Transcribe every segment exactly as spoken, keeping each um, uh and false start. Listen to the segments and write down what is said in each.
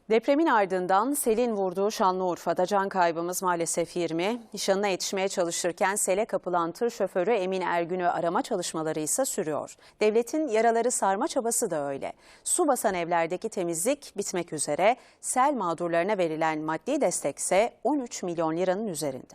Depremin ardından selin vurduğu Şanlıurfa'da can kaybımız maalesef yirmi. Nişanına yetişmeye çalışırken sele kapılan tır şoförü Emin Ergün'ü arama çalışmaları ise sürüyor. Devletin yaraları sarma çabası da öyle. Su basan evlerdeki temizlik bitmek üzere. Sel mağdurlarına verilen maddi destekse on üç milyon liranın üzerinde.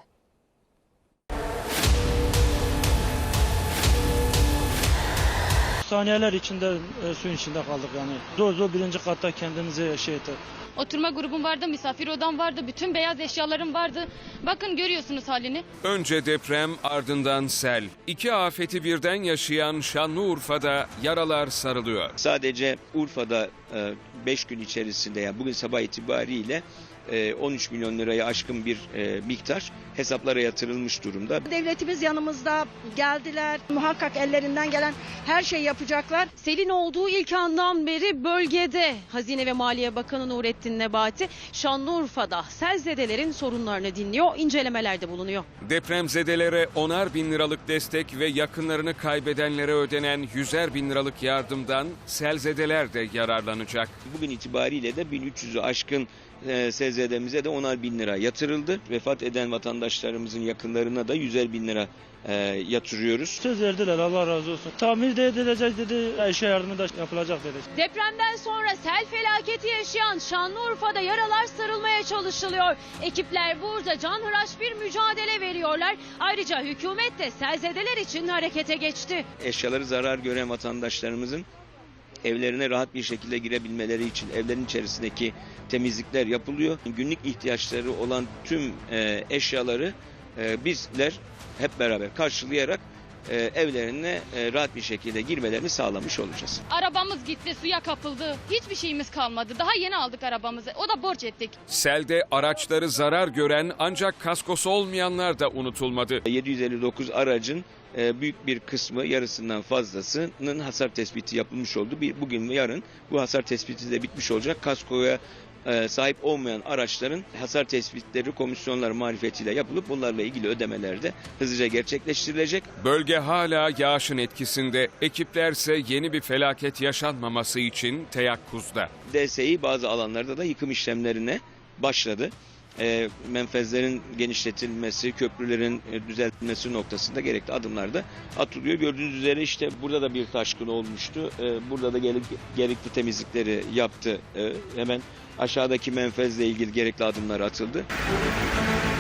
Saniyeler içinde e, suyun içinde kaldık yani. Zor zor birinci katta kendimizi şey ettik. Oturma grubum vardı, misafir odam vardı, bütün beyaz eşyalarım vardı. Bakın görüyorsunuz halini. Önce deprem, ardından sel. İki afeti birden yaşayan Şanlıurfa'da yaralar sarılıyor. Sadece Urfa'da beş gün içerisinde, yani bugün sabah itibariyle on üç milyon lirayı aşkın bir miktar hesaplara yatırılmış durumda. Devletimiz yanımızda, geldiler. Muhakkak ellerinden gelen her şeyi yapacaklar. Selin olduğu ilk andan beri bölgede Hazine ve Maliye Bakanı Nurettin Nebati Şanlıurfa'da selzedelerin sorunlarını dinliyor, incelemelerde bulunuyor. Depremzedelere onar bin liralık destek ve yakınlarını kaybedenlere ödenen yüzer bin liralık yardımdan selzedeler de yararlanacak. Bugün itibariyle de bin üç yüzü aşkın S Z D'mize de onar bin lira yatırıldı. Vefat eden vatandaşlarımızın yakınlarına da yüzer bin lira e, yatırıyoruz. Söz verdiler, Allah razı olsun. Tamir de edilecek dedi, eşya yardımı da yapılacak dedi. Depremden sonra sel felaketi yaşayan Şanlıurfa'da yaralar sarılmaya çalışılıyor. Ekipler burada canhıraş bir mücadele veriyorlar. Ayrıca hükümet de selzedeler için harekete geçti. Eşyaları zarar gören vatandaşlarımızın evlerine rahat bir şekilde girebilmeleri için evlerin içerisindeki temizlikler yapılıyor. Günlük ihtiyaçları olan tüm e, eşyaları e, bizler hep beraber karşılayarak e, evlerine e, rahat bir şekilde girmelerini sağlamış olacağız. Arabamız gitti, suya kapıldı. Hiçbir şeyimiz kalmadı. Daha yeni aldık arabamızı. O da borç ettik. Selde araçları zarar gören ancak kaskosu olmayanlar da unutulmadı. yedi yüz elli dokuz aracın büyük bir kısmı, yarısından fazlasının hasar tespiti yapılmış oldu. Bugün ve yarın bu hasar tespiti de bitmiş olacak. Kaskoya sahip olmayan araçların hasar tespitleri komisyonlar marifetiyle yapılıp bunlarla ilgili ödemeler de hızlıca gerçekleştirilecek. Bölge hala yağışın etkisinde. Ekiplerse yeni bir felaket yaşanmaması için teyakkuzda. D S İ bazı alanlarda da yıkım işlemlerine başladı. E, menfezlerin genişletilmesi, köprülerin e, düzeltilmesi noktasında gerekli adımlar da atılıyor. Gördüğünüz üzere işte burada da bir taşkın olmuştu. E, burada da gerek, gerekli temizlikleri yaptı. E, hemen aşağıdaki menfezle ilgili gerekli adımlar atıldı.